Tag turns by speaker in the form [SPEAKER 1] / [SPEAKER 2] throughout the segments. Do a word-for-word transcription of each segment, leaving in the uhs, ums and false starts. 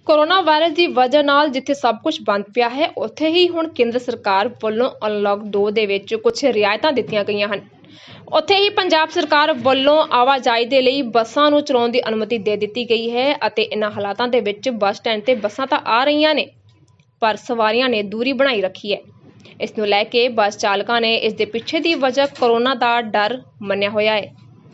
[SPEAKER 1] Corona virus ਦੀ ਵਜ੍ਹਾ ਨਾਲ ਜਿੱਥੇ ਸਭ ਕੁਝ ਬੰਦ ਪਿਆ ਹੈ, ਉੱਥੇ ਹੀ ਹੁਣ ਕੇਂਦਰ ਸਰਕਾਰ ਵੱਲੋਂ ਅਨਲੌਕ ਦੋ ਦੇ ਵਿੱਚ ਕੁਝ ਰਿਆਇਤਾਂ ਦਿੱਤੀਆਂ ਗਈਆਂ ਹਨ। ਉੱਥੇ ਹੀ ਪੰਜਾਬ ਸਰਕਾਰ ਵੱਲੋਂ ਆਵਾਜਾਈ ਦੇ ਲਈ ਬੱਸਾਂ ਨੂੰ ਚਲਾਉਣ ਦੀ ਅਨੁਮਤੀ ਦੇ ਦਿੱਤੀ ਗਈ ਹੈ ਅਤੇ ਇਨ੍ਹਾਂ ਹਾਲਾਤਾਂ ਦੇ ਵਿੱਚ ਬੱਸ ਸਟੈਂਡ ਤੇ ਬੱਸਾਂ ਤਾਂ ਆ ਰਹੀਆਂ ਨੇ, ਪਰ ਸਵਾਰੀਆਂ ਨੇ ਦੂਰੀ ਬਣਾਈ ਰੱਖੀ ਹੈ। ਇਸ ਨੂੰ ਲੈ ਕੇ ਬੱਸ ਚਾਲਕਾਂ ਨੇ ਇਸ ਦੇ ਪਿੱਛੇ ਦੀ ਵਜ੍ਹਾ ਕੋਰੋਨਾ ਦਾ ਡਰ ਮੰਨਿਆ ਹੋਇਆ ਹੈ।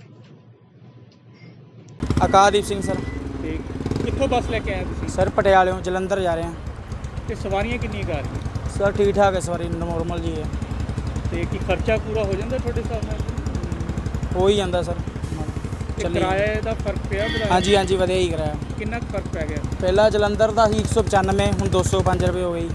[SPEAKER 2] ਆਕਾਸ਼ਦੀਪ ਸਿੰਘ ਸਰ।
[SPEAKER 3] ਤੇ ਕਿੱਥੋਂ ਬੱਸ ਲੈ ਕੇ ਆਏ ਤੁਸੀਂ?
[SPEAKER 2] ਸਰ ਪਟਿਆਲਿਓਂ ਜਲੰਧਰ ਜਾ ਰਹੇ ਹਾਂ।
[SPEAKER 3] ਤੇ ਸਵਾਰੀਆਂ ਕਿੰਨੀਆਂ ਕਰ ਰਹੀਆਂ?
[SPEAKER 2] ਸਰ ਠੀਕ ਠਾਕ ਹੈ, ਸਵਾਰੀ ਨੋਰਮਲ ਜੀ ਹੈ।
[SPEAKER 3] ਤੇ ਕੀ ਖਰਚਾ ਪੂਰਾ ਹੋ ਜਾਂਦਾ ਤੁਹਾਡੇ ਹਿਸਾਬ ਨਾਲ?
[SPEAKER 2] ਹੋ ਹੀ ਜਾਂਦਾ ਸਰ।
[SPEAKER 3] ਤੇ
[SPEAKER 2] ਚੱਲੀ
[SPEAKER 3] ਕਿਰਾਏ ਦਾ ਫਰਕ ਪਿਆ ਵਧਾਇਆ?
[SPEAKER 2] ਹਾਂਜੀ ਹਾਂਜੀ ਵਧੀਆ ਹੀ ਕਰਾਇਆ।
[SPEAKER 3] ਕਿੰਨਾ ਕੁ ਫਰਕ ਪੈ ਗਿਆ?
[SPEAKER 2] ਪਹਿਲਾਂ ਜਲੰਧਰ ਦਾ ਸੀ ਇੱਕ ਸੌ ਪਚਾਨਵੇਂ, ਹੁਣ ਦੋ ਸੌ ਪੰਜ ਰੁਪਏ ਹੋ ਗਈ।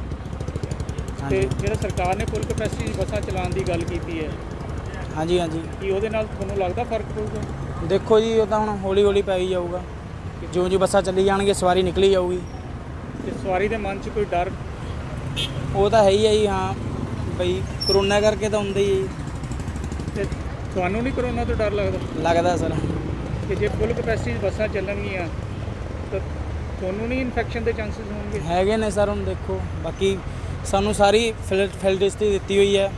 [SPEAKER 3] ਤੇ ਜਿਹੜਾ ਸਰਕਾਰ ਨੇ ਫੁੱਲ ਕਪੈਸਿਟੀ ਬੱਸਾਂ ਚਲਾਉਣ ਦੀ ਗੱਲ ਕੀਤੀ ਹੈ,
[SPEAKER 2] ਹਾਂਜੀ ਹਾਂਜੀ
[SPEAKER 3] ਕੀ ਉਹਦੇ ਨਾਲ ਤੁਹਾਨੂੰ ਲੱਗਦਾ ਫਰਕ ਪਊਗਾ?
[SPEAKER 2] ਦੇਖੋ ਜੀ, ਉਹ ਤਾਂ ਹੁਣ ਹੌਲੀ ਹੌਲੀ ਪੈ ਹੀ ਜਾਊਗਾ। ਜਿਉਂ ਜਿਉਂ ਬੱਸਾਂ ਚੱਲੀ ਜਾਣਗੇ ਸਵਾਰੀ ਨਿਕਲੀ ਜਾਊਗੀ।
[SPEAKER 3] ਤੇ ਸਵਾਰੀ ਦੇ ਮਨ 'ਚ ਕੋਈ ਡਰ?
[SPEAKER 2] ਉਹ ਤਾਂ ਹੈ ਹੀ ਹੈ ਜੀ। ਹਾਂ ਬਈ ਕਰੋਨਾ ਕਰਕੇ ਤਾਂ ਹੁੰਦਾ ਹੀ ਹੈ ਜੀ।
[SPEAKER 3] ਤੇ ਤੁਹਾਨੂੰ ਨਹੀਂ ਕਰੋਨਾ ਤੋਂ ਡਰ ਲੱਗਦਾ?
[SPEAKER 2] ਲੱਗਦਾ ਸਰ।
[SPEAKER 3] ਕਿ ਜੇ ਫੁੱਲ ਕਪੈਸਿਟੀ ਬੱਸਾਂ ਚੱਲਣਗੀਆਂ ਤਾਂ ਤੁਹਾਨੂੰ ਨਹੀਂ ਇਨਫੈਕਸ਼ਨ ਦੇ ਚਾਂਸਸ ਹੋਣਗੇ?
[SPEAKER 2] ਹੈਗੇ ਨੇ ਸਰ। ਹੁਣ ਦੇਖੋ, ਬਾਕੀ ਸਾਨੂੰ ਸਾਰੀ ਫੈਸਿਲਿਟੀ ਦਿੱਤੀ ਹੋਈ ਹੈ,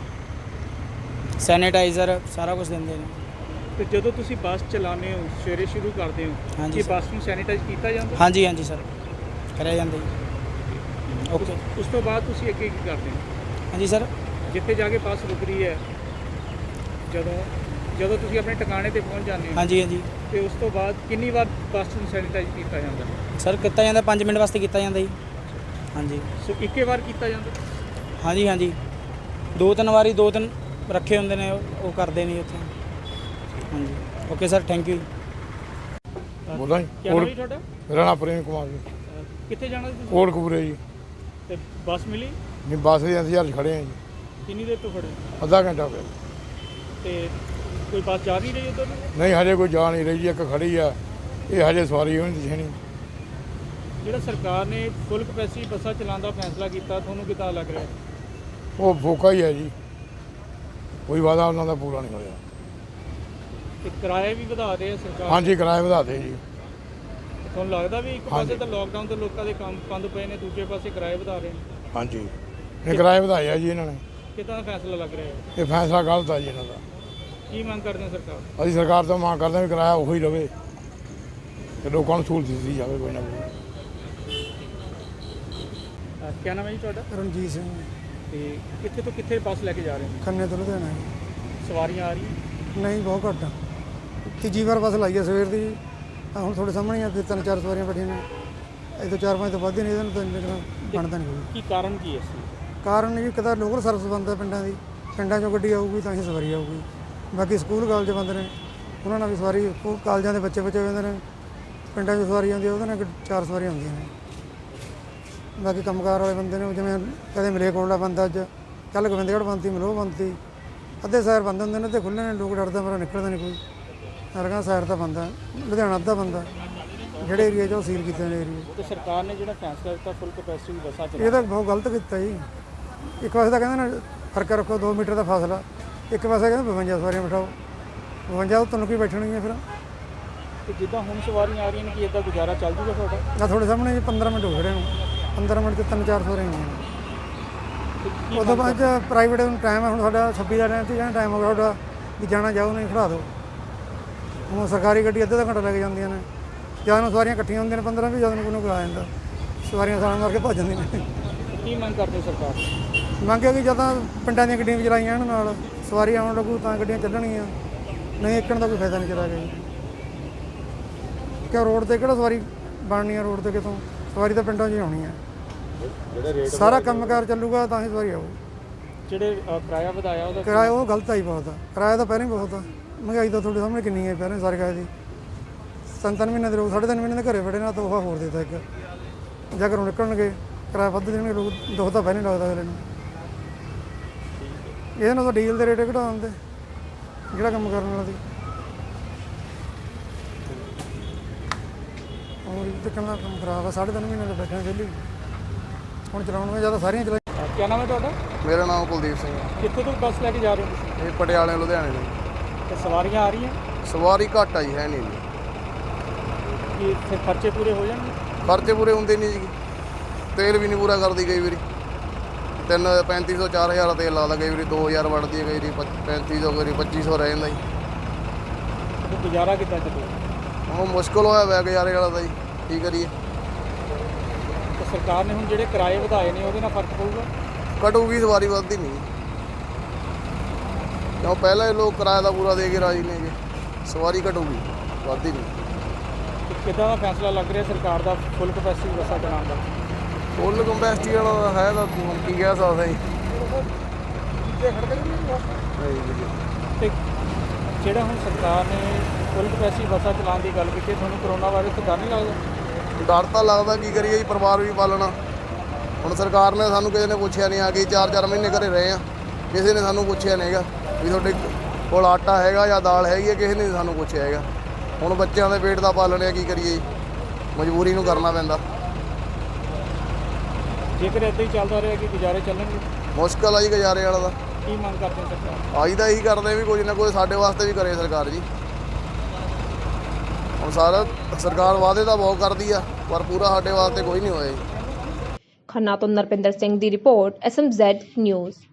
[SPEAKER 2] ਸੈਨੀਟਾਈਜ਼ਰ ਸਾਰਾ ਕੁਝ ਦਿੰਦੇ ਨੇ।
[SPEAKER 3] ਤੇ ਜਦੋਂ ਤੁਸੀਂ ਬੱਸ ਚਲਾਉਂਦੇ ਹੋ, ਸਵੇਰੇ ਸ਼ੁਰੂ ਕਰਦੇ ਹੋ,
[SPEAKER 2] ਹਾਂਜੀ
[SPEAKER 3] ਕੀ
[SPEAKER 2] ਸਰ।
[SPEAKER 3] ਬੱਸ ਨੂੰ ਸੈਨੀਟਾਈਜ਼ ਕੀਤਾ ਜਾਂਦਾ?
[SPEAKER 2] ਹਾਂਜੀ ਹਾਂਜੀ ਸਰ, ਕਰਿਆ ਜਾਂਦਾ ਜੀ। ਓਕੇ।
[SPEAKER 3] ਉਸ ਤੋਂ ਬਾਅਦ ਤੁਸੀਂ ਅੱਗੇ ਕੀ ਕਰਦੇ ਹੋ?
[SPEAKER 2] ਹਾਂਜੀ ਸਰ।
[SPEAKER 3] ਜਿੱਥੇ ਜਾ ਕੇ ਬੱਸ ਰੁਕ ਰਹੀ ਹੈ, ਜਦੋਂ ਜਦੋਂ ਤੁਸੀਂ ਆਪਣੇ ਟਿਕਾਣੇ ਤੇ ਪਹੁੰਚ ਜਾਂਦੇ ਹੋ,
[SPEAKER 2] ਹਾਂਜੀ ਹਾਂਜੀ
[SPEAKER 3] ਤੇ ਉਸ ਤੋਂ ਬਾਅਦ ਕਿੰਨੀ ਵਾਰ ਬੱਸ ਨੂੰ ਸੈਨੀਟਾਈਜ਼ ਕੀਤਾ ਜਾਂਦਾ?
[SPEAKER 2] ਸਰ ਕੀਤਾ ਜਾਂਦਾ, ਪੰਜ ਮਿੰਟ ਵਾਸਤੇ ਕੀਤਾ ਜਾਂਦਾ ਜੀ। ਹਾਂਜੀ
[SPEAKER 3] ਸੋ ਇੱਕੇ ਵਾਰ ਕੀਤਾ ਜਾਂਦਾ?
[SPEAKER 2] ਹਾਂਜੀ ਹਾਂਜੀ ਦੋ ਤਿੰਨ ਵਾਰੀ ਦੋ ਤਿੰਨ ਰੱਖੇ ਹੁੰਦੇ ਨੇ, ਉਹ ਉਹ ਕਰਦੇ ਨਹੀਂ ਉੱਥੇ। ਹਾਂਜੀ ਓਕੇ ਸਰ, ਥੈਂਕ ਯੂ।
[SPEAKER 4] ਬੋਲਾਂ ਜੀ।
[SPEAKER 3] ਕੀ ਨਾਮ ਹੈ ਤੁਹਾਡਾ?
[SPEAKER 4] ਮੇਰਾ ਨਾਮ ਪ੍ਰੇਮ ਕੁਮਾਰ ਜੀ।
[SPEAKER 3] ਅਹ ਕਿੱਥੇ ਜਾਣਾ ਸੀ ਤੁਸੀਂ?
[SPEAKER 4] ਕੋਟਕਪੂਰੇ ਜੀ।
[SPEAKER 3] ਤੇ ਬੱਸ ਮਿਲੀ?
[SPEAKER 4] ਨਹੀਂ, ਬੱਸ ਦੇ ਇੰਤਜ਼ਾਰ 'ਚ ਖੜੇ ਹਾਂ ਜੀ।
[SPEAKER 3] ਕਿੰਨੀ ਦੇਰ ਤੋਂ ਖੜੇ?
[SPEAKER 4] ਅੱਧਾ ਘੰਟਾ ਹੋ ਗਿਆ।
[SPEAKER 3] ਤੇ ਕੋਈ ਬੱਸ ਜਾ ਨਹੀਂ ਰਹੀ ਉੱਧਰ ਨੂੰ?
[SPEAKER 4] ਨਹੀਂ, ਹਜੇ ਕੋਈ ਜਾ ਨਹੀਂ ਰਹੀ ਜੀ। ਇੱਕ ਖੜੀ ਆ, ਇਹ ਹਜੇ ਸਵਾਰੀ ਹੋਣੀ ਦਿਸਣੀ।
[SPEAKER 3] ਜਿਹੜਾ ਸਰਕਾਰ ਨੇ ਫੁੱਲ ਕਪੈਸਿਟੀ ਬੱਸਾਂ ਚਲਾਉਣ ਦਾ ਫੈਸਲਾ ਕੀਤਾ, ਤੁਹਾਨੂੰ ਕਿੱਦਾਂ ਲੱਗ ਰਿਹਾ?
[SPEAKER 4] ਉਹ ਫੋਕਾ ਹੀ ਹੈ ਜੀ, ਕੋਈ ਵਾਅਦਾ ਉਹਨਾਂ ਦਾ ਪੂਰਾ ਨਹੀਂ ਹੋਇਆ।
[SPEAKER 3] ਤੇ ਕਿਰਾਏ ਵੀ ਵਧਾ ਰਹੇ ਆ ਸਰਕਾਰ?
[SPEAKER 4] ਹਾਂਜੀ, ਕਿਰਾਏ ਵਧਾਤੇ ਜੀ।
[SPEAKER 3] ਤੁਹਾਨੂੰ ਲੱਗਦਾ ਵੀ ਇੱਕ
[SPEAKER 4] ਹਾਂਜੀ।
[SPEAKER 3] ਪਾਸੇ ਤਾਂ ਲੋਕਡਾਊਨ ਤੋਂ ਲੋਕਾਂ ਦੇ ਕੰਮ ਬੰਦ ਪਏ ਨੇ, ਦੂਜੇ ਪਾਸੇ ਕਿਰਾਏ ਵਧਾ ਰਹੇ ਨੇ?
[SPEAKER 4] ਹਾਂਜੀ, ਇਹ ਕਿਰਾਏ ਵਧਾਏ ਆ ਜੀ ਇਹਨਾਂ ਨੇ।
[SPEAKER 3] ਕਿੱਦਾਂ ਦਾ ਫੈਸਲਾ ਲੱਗ ਰਿਹਾ ਹੈ?
[SPEAKER 4] ਇਹ ਫੈਸਲਾ ਗਲਤ ਆ ਜੀ ਇਹਨਾਂ ਦਾ।
[SPEAKER 3] ਕੀ ਮੰਗ ਕਰਦੇ ਹੋ ਸਰਕਾਰ?
[SPEAKER 4] ਅਸੀਂ ਸਰਕਾਰ ਤੋਂ ਮੰਗ ਕਰਦੇ ਹਾਂ ਵੀ ਕਿਰਾਇਆ ਉਹੀ ਰਵੇ ਤੇ ਲੋਕਾਂ ਨੂੰ ਸਹੂਲਤ ਦਿੱਤੀ ਜਾਵੇ ਕੋਈ ਨਾ ਕੋਈ।
[SPEAKER 3] ਅਹ ਕਿਆ ਨਾਮ ਹੈ ਜੀ ਤੁਹਾਡਾ?
[SPEAKER 5] ਰਣਜੀਤ ਸਿੰਘ,
[SPEAKER 3] ਤੇ ਕਿੱਥੇ ਤੋਂ ਕਿੱਥੇ ਬੱਸ ਲੈ ਕੇ ਜਾ ਰਹੇ ਨੇ?
[SPEAKER 5] ਖੰਨੇ ਤੋਂ ਲੁਧਿਆਣਾ।
[SPEAKER 3] ਸਵਾਰੀਆਂ ਆ ਰਹੀਆਂ?
[SPEAKER 5] ਨਹੀਂ, ਬਹੁਤ ਘੱਟ ਆ। ਤੀਜੀ ਵਾਰ ਬੱਸ ਲਾਈ ਆ ਸਵੇਰ ਦੀ। ਆਹ ਹੁਣ ਤੁਹਾਡੇ ਸਾਹਮਣੇ ਆ, ਫਿਰ ਤਿੰਨ ਚਾਰ ਸਵਾਰੀਆਂ ਬੈਠੀਆਂ ਨੇ। ਇਹ ਤੋਂ ਚਾਰ ਪੰਜ ਤੋਂ ਵੱਧ ਹੀ ਨਹੀਂ, ਇਹਦੇ ਨੂੰ ਤਾਂ ਇੰਨੇ ਕੁ ਬਣਦਾ ਨਹੀਂ ਕੋਈ।
[SPEAKER 3] ਕੀ ਕਾਰਨ ਕੀ ਹੈ ਇਸ ਦਾ?
[SPEAKER 5] ਕਾਰਨ ਜੀ, ਇੱਕ ਤਾਂ ਲੋਕਲ ਸਰਵਿਸ ਬੰਦ ਆ ਪਿੰਡਾਂ ਦੀ। ਪਿੰਡਾਂ 'ਚੋਂ ਗੱਡੀ ਆਊਗੀ ਤਾਂ ਹੀ ਸਵਾਰੀ ਆਊਗੀ। ਬਾਕੀ ਸਕੂਲ ਕਾਲਜ ਬੰਦ ਨੇ, ਉਹਨਾਂ ਨਾਲ ਵੀ ਸਵਾਰੀ, ਸਕੂਲ ਕਾਲਜਾਂ ਦੇ ਬੱਚੇ ਬੱਚੇ ਜਾਂਦੇ ਨੇ। ਪਿੰਡਾਂ 'ਚ ਸਵਾਰੀ ਆਉਂਦੀ, ਉਹਦੇ ਨਾਲ ਚਾਰ ਸਵਾਰੀਆਂ ਆਉਂਦੀਆਂ ਨੇ। ਬਾਕੀ ਕੰਮਕਾਰ ਵਾਲੇ ਬੰਦੇ ਨੇ, ਜਿਵੇਂ ਕਦੇ ਮਲੇਰਕੋਟਲਾ ਬੰਦ, ਅੱਜ ਕੱਲ੍ਹ ਗੋਬਿੰਦਗੜ੍ਹ ਬੰਦ ਤੀ, ਮਲੋਹ ਬੰਦ ਤੀ। ਅੱਧੇ ਸ਼ਹਿਰ ਬੰਦ ਹੁੰਦੇ ਨੇ ਤੇ ਖੁੱਲ੍ਹੇ ਨੇ। ਲੋਕ ਡਰਦਾ ਮੇਰਾ ਨਿਕਲਦਾ ਨਹੀਂ ਕੋਈ। ਹਰਗਾ ਸ਼ਹਿਰ ਤਾਂ ਬੰਦ ਆ, ਲੁਧਿਆਣਾ ਅੱਧਾ ਬੰਦ ਆ। ਜਿਹੜੇ ਏਰੀਏ 'ਚ ਉਹ ਸੀਲ ਕੀਤੇ ਨੇ ਏਰੀਏ।
[SPEAKER 3] ਤੇ ਸਰਕਾਰ ਨੇ ਜਿਹੜਾ ਫੈਸਲਾ ਦਿੱਤਾ ਫੁੱਲ ਕਪੈਸਿਟੀ ਬੱਸਾਂ ਚਲਾਉਣ,
[SPEAKER 5] ਇਹ ਤਾਂ ਬਹੁਤ ਗਲਤ ਕੀਤਾ ਜੀ। ਇੱਕ ਪਾਸੇ ਤਾਂ ਕਹਿੰਦੇ ਨੇ ਫਰਕ ਰੱਖੋ, ਦੋ ਮੀਟਰ ਦਾ ਫਾਸਲਾ। ਇੱਕ ਪਾਸੇ ਕਹਿੰਦੇ ਬਵੰਜਾ ਸਵਾਰੀਆਂ ਬਿਠਾਓ। ਬਵੰਜਾ ਤੋਂ ਤੁਹਾਨੂੰ ਕੀ ਬੈਠਣਗੀਆਂ ਫਿਰ?
[SPEAKER 3] ਤੇ ਜਿੱਦਾਂ ਹੁਣ ਸਵਾਰੀਆਂ ਆ ਰਹੀਆਂ ਨੇ, ਕੀ ਇੱਦਾਂ ਗੁਜ਼ਾਰਾ ਚੱਲ ਜੂਗਾ ਤੁਹਾਡਾ?
[SPEAKER 5] ਆ ਤੁਹਾਡੇ ਸਾਹਮਣੇ ਜੀ ਪੰਦਰਾਂ ਮਿੰਟ ਹੋ ਖੜੇ ਨੂੰ। ਪੰਦਰਾਂ ਮਿੰਟ 'ਚ ਤਿੰਨ ਚਾਰ ਸਵਾਰੀਆਂ ਹੋਈਆਂ।
[SPEAKER 3] ਤੇ ਕੀ
[SPEAKER 5] ਉਦੋਂ
[SPEAKER 3] ਮੰਗ
[SPEAKER 5] ਬਾਅਦ 'ਚ ਪ੍ਰਾਈਵੇਟ ਨੂੰ ਟਾਈਮ ਹੈ, ਹੁਣ ਸਾਡਾ ਛੱਬੀ ਦਾ ਟਾਈਮ, ਤੀਹ ਦਾ ਟਾਈਮ ਹੋ ਗਿਆ ਤੁਹਾਡਾ ਵੀ ਜਾਣਾ ਜਾਓ, ਨਹੀਂ ਖੜਾ ਦਿਓ। ਹੁਣ ਸਰਕਾਰੀ ਗੱਡੀ ਅੱਧਾ ਘੰਟਾ ਲੈ ਕੇ ਜਾਂਦੀਆਂ ਨੇ। ਜਦ ਨੂੰ ਸਵਾਰੀਆਂ ਇਕੱਠੀਆਂ ਹੁੰਦੀਆਂ ਨੇ ਪੰਦਰਾਂ, ਵੀ ਜਦ ਨੂੰ ਕੋਈ ਨੂੰ ਆ ਜਾਂਦਾ, ਸਵਾਰੀਆਂ ਸਾਲਾਂ ਮਾਰ ਕੇ ਭੱਜ ਜਾਂਦੀਆਂ ਨੇ।
[SPEAKER 3] ਕੀ ਮੰਗ ਕਰਦੇ ਹੋ ਸਰਕਾਰ ਤੋਂ?
[SPEAKER 5] ਮੰਗਿਆ ਕਿ ਜਦੋਂ ਪਿੰਡਾਂ ਦੀਆਂ ਗੱਡੀਆਂ ਵੀ ਚਲਾਈਆਂ ਇਹਨਾਂ ਨਾਲ, ਸਵਾਰੀ ਆਉਣ ਲੱਗੂ ਤਾਂ ਗੱਡੀਆਂ ਚੱਲਣਗੀਆਂ, ਨਹੀਂ ਇੱਕਣ ਦਾ ਕੋਈ ਫਾਇਦਾ ਨਹੀਂ ਚਲਾ ਗਿਆ। ਕਿ ਰੋਡ 'ਤੇ ਕਿਹੜਾ ਸਵਾਰੀ ਬਣਨੀ ਆ? ਰੋਡ 'ਤੇ ਕਿਤੋਂ ਸਵਾਰੀ ਤਾਂ ਪਿੰਡਾਂ 'ਚ ਹੀ ਆਉਣੀ ਆ। ਸਾਰਾ ਕੰਮਕਾਰ ਚੱਲੂਗਾ ਤਾਂ ਹੀ ਸਵਾਰੀ ਆਊ।
[SPEAKER 3] ਜਿਹੜੇ ਅਹ, ਕਿਰਾਇਆ ਵਧਾਇਆ ਉਹਦਾ
[SPEAKER 5] ਕਿਰਾਇਆ ਉਹ ਗਲਤ ਆਈ ਬਹੁਤ ਆ। ਕਿਰਾਇਆ ਤਾਂ ਪਹਿਲਾਂ ਹੀ ਬਹੁਤ ਆ। ਮਹਿੰਗਾਈ ਤਾਂ ਤੁਹਾਡੇ ਸਾਹਮਣੇ ਕਿੰਨੀ ਹੈ ਪਹਿਲਾਂ ਸਾਰੇ ਕਾਇ ਦੀ। ਤਿੰਨ ਤਿੰਨ ਮਹੀਨੇ ਦੇ ਲੋਕ, ਸਾਢੇ ਤਿੰਨ ਮਹੀਨੇ ਦੇ ਘਰੇ ਬੈਠੇ ਨਾ, ਤੋਹਫਾ ਹੋਰ ਦੇਤਾ ਇੱਕ। ਜਾਂ ਘਰੋਂ ਨਿਕਲਣਗੇ ਕਿਰਾਇਆ ਵੱਧ ਦੇਣਗੇ ਲੋਕ, ਦੁੱਖ ਤਾਂ ਪਹਿਲਾਂ ਲੱਗਦਾ ਅਗਲੇ ਨੂੰ। ਇਹਦੇ ਨਾਲ ਤਾਂ ਡੀਜ਼ਲ ਦੇ ਰੇਟ ਘਟਾ ਦਿੰਦੇ, ਜਿਹੜਾ ਕੰਮ ਕਰਨ ਵਾਲਾ ਸੀ। ਹੋਰ ਇਹ ਤਾਂ ਕਹਿੰਦਾ ਕੰਮ ਖਰਾਬ ਆ। ਸਾਢੇ ਤਿੰਨ ਮਹੀਨੇ ਦੇ ਬੈਠੇ ਵਿਹਲੇ, ਹੁਣ ਚਲਾਉਣ ਜਿਆਦਾ ਸਾਰੀਆਂ ਚਲਾਈ।
[SPEAKER 3] ਕੀ ਨਾਮ ਹੈ ਤੁਹਾਡਾ?
[SPEAKER 4] ਮੇਰਾ ਨਾਮ ਕੁਲਦੀਪ ਸਿੰਘ ਹੈ।
[SPEAKER 3] ਕਿੱਥੋਂ ਤੋਂ ਬੱਸ ਲੈ ਕੇ ਜਾ ਰਹੇ ਹੋ ਤੁਸੀਂ?
[SPEAKER 4] ਇਹ ਪਟਿਆਲੇ ਲੁਧਿਆਣੇ ਤੋਂ।
[SPEAKER 3] ਤੇ ਸਵਾਰੀਆਂ ਆ ਰਹੀਆਂ?
[SPEAKER 4] ਸਵਾਰੀ ਘੱਟ ਆਈ ਹੈ ਨਹੀਂ ਜੀ।
[SPEAKER 3] ਕੀ ਫਿਰ ਖਰਚੇ ਪੂਰੇ ਹੋ ਜਾਣਗੇ?
[SPEAKER 6] ਖਰਚੇ ਪੂਰੇ ਹੁੰਦੇ ਨਹੀਂ ਜੀ, ਤੇਲ ਵੀ ਨਹੀਂ ਪੂਰਾ ਕਰਦੀ ਕਈ ਵਾਰੀ, ਤਿੰਨ ਪੈਂਤੀ ਸੌ ਚਾਰ ਹਜ਼ਾਰ ਤੇਲ ਲਾਦਾ, ਕਈ ਵਾਰੀ ਦੋ ਹਜ਼ਾਰ ਵੜਦੀ ਹੈ, ਕਈ ਵਾਰੀ ਪੱਚ- ਪੈਂਤੀ ਸੌ, ਕਈ ਵਾਰੀ ਪੱਚੀ ਸੌ ਰਹਿ ਜਾਂਦਾ ਜੀ।
[SPEAKER 3] ਤੇ ਗੁਜ਼ਾਰਾ ਕਿੱਦਾਂ ਚੱਲੂ?
[SPEAKER 6] ਉਹ ਮੁਸ਼ਕਲ ਹੋਇਆ ਪਿਆ ਗੁਜ਼ਾਰੇ ਵਾਲਾ ਤਾਂ ਜੀ, ਕੀ ਕਰੀਏ।
[SPEAKER 3] ਤੇ ਸਰਕਾਰ ਨੇ ਹੁਣ ਜਿਹੜੇ ਕਿਰਾਏ ਵਧਾਏ ਨੇ ਉਹਦੇ ਨਾਲ ਫਰਕ ਪਊਗਾ?
[SPEAKER 6] ਘਟੂਗੀ, ਸਵਾਰੀ ਵੱਧਦੀ ਨਹੀਂ, ਕਿਉਂ ਪਹਿਲਾਂ ਹੀ ਲੋਕ ਕਿਰਾਇਆ ਦਾ ਪੂਰਾ ਦੇ ਕੇ ਰਾਜੀ ਨੇਗੇ, ਸਵਾਰੀ ਘਟੂਗੀ, ਵੱਧਦੀ ਨਹੀਂ।
[SPEAKER 3] ਤੇ ਕਿੱਦਾਂ ਦਾ ਫੈਸਲਾ ਲੱਗ ਰਿਹਾ ਸਰਕਾਰ ਦਾ ਫੁੱਲ ਕਪੈਸਿਟੀ ਬੱਸਾਂ ਚਲਾਉਣ ਦਾ?
[SPEAKER 6] ਫੁੱਲ ਕੰਪੈਸਿਟੀ ਵਾਲਾ ਹੈ ਤਾਂ ਹੁਣ ਕੀ ਕਹਿ ਸਕਦੇ ਜੀ।
[SPEAKER 3] ਤੇ ਜਿਹੜਾ ਹੁਣ ਸਰਕਾਰ ਨੇ ਫੁੱਲ ਕਪੈਸਿਟੀ ਬੱਸਾਂ ਚਲਾਉਣ ਦੀ ਗੱਲ ਕੀਤੀ, ਤੁਹਾਨੂੰ ਕਰੋਨਾ ਵਾਇਰਸ ਤੋਂ ਡਰ ਨਹੀਂ ਲੱਗਦਾ?
[SPEAKER 6] ਡਰ ਤਾਂ ਲੱਗਦਾ, ਕੀ ਕਰੀਏ ਜੀ, ਪਰਿਵਾਰ ਵੀ ਪਾਲਣਾ। ਹੁਣ ਸਰਕਾਰ ਨੇ ਸਾਨੂੰ ਕਿਸੇ ਨੇ ਪੁੱਛਿਆ ਨਹੀਂ, ਆ ਗਈ ਚਾਰ ਚਾਰ ਮਹੀਨੇ ਘਰੇ ਰਹੇ ਆ, ਕਿਸੇ ਨੇ ਸਾਨੂੰ ਪੁੱਛਿਆ ਨਹੀਂ ਹੈਗਾ ਵੀ ਤੁਹਾਡੇ ਕੋਲ ਆਟਾ ਹੈਗਾ ਜਾਂ ਦਾਲ ਹੈਗੀ ਹੈ, ਕਿਸੇ ਨੇ ਨਹੀਂ ਸਾਨੂੰ ਪੁੱਛਿਆ ਹੈਗਾ। ਹੁਣ ਬੱਚਿਆਂ ਦੇ ਪੇਟ ਦਾ ਪਾਲਣ ਆ, ਕੀ ਕਰੀਏ ਜੀ, ਮਜਬੂਰੀ ਨੂੰ ਕਰਨਾ ਪੈਂਦਾ।
[SPEAKER 3] ਜੇਕਰ ਇੱਦਾਂ ਹੀ ਚੱਲਦਾ ਰਿਹਾ ਕਿ ਗੁਜ਼ਾਰੇ ਚੱਲਣਗੇ,
[SPEAKER 6] ਮੁਸ਼ਕਲ ਆ ਜੀ ਗੁਜ਼ਾਰੇ ਵਾਲਾ ਦਾ।
[SPEAKER 3] ਕੀ ਮੰਗ ਕਰਦੇ ਸਰਕਾਰ?
[SPEAKER 6] ਅਸੀਂ ਤਾਂ ਇਹੀ ਕਰਦੇ ਵੀ ਕੁਝ ਨਾ ਕੁਝ ਸਾਡੇ ਵਾਸਤੇ ਵੀ ਕਰੇ ਸਰਕਾਰ ਜੀ। ਹੁਣ ਸਾਰਾ ਸਰਕਾਰ ਵਾਅਦੇ ਤਾਂ ਬਹੁਤ ਕਰਦੀ ਆ, ਪਰ ਪੂਰਾ ਸਾਡੇ ਵਾਸਤੇ ਕੋਈ ਨਹੀਂ ਹੋਇਆ ਜੀ।
[SPEAKER 1] ਖੰਨਾ ਤੋਂ ਨਰਪਿੰਦਰ ਸਿੰਘ ਦੀ report, S M Z news.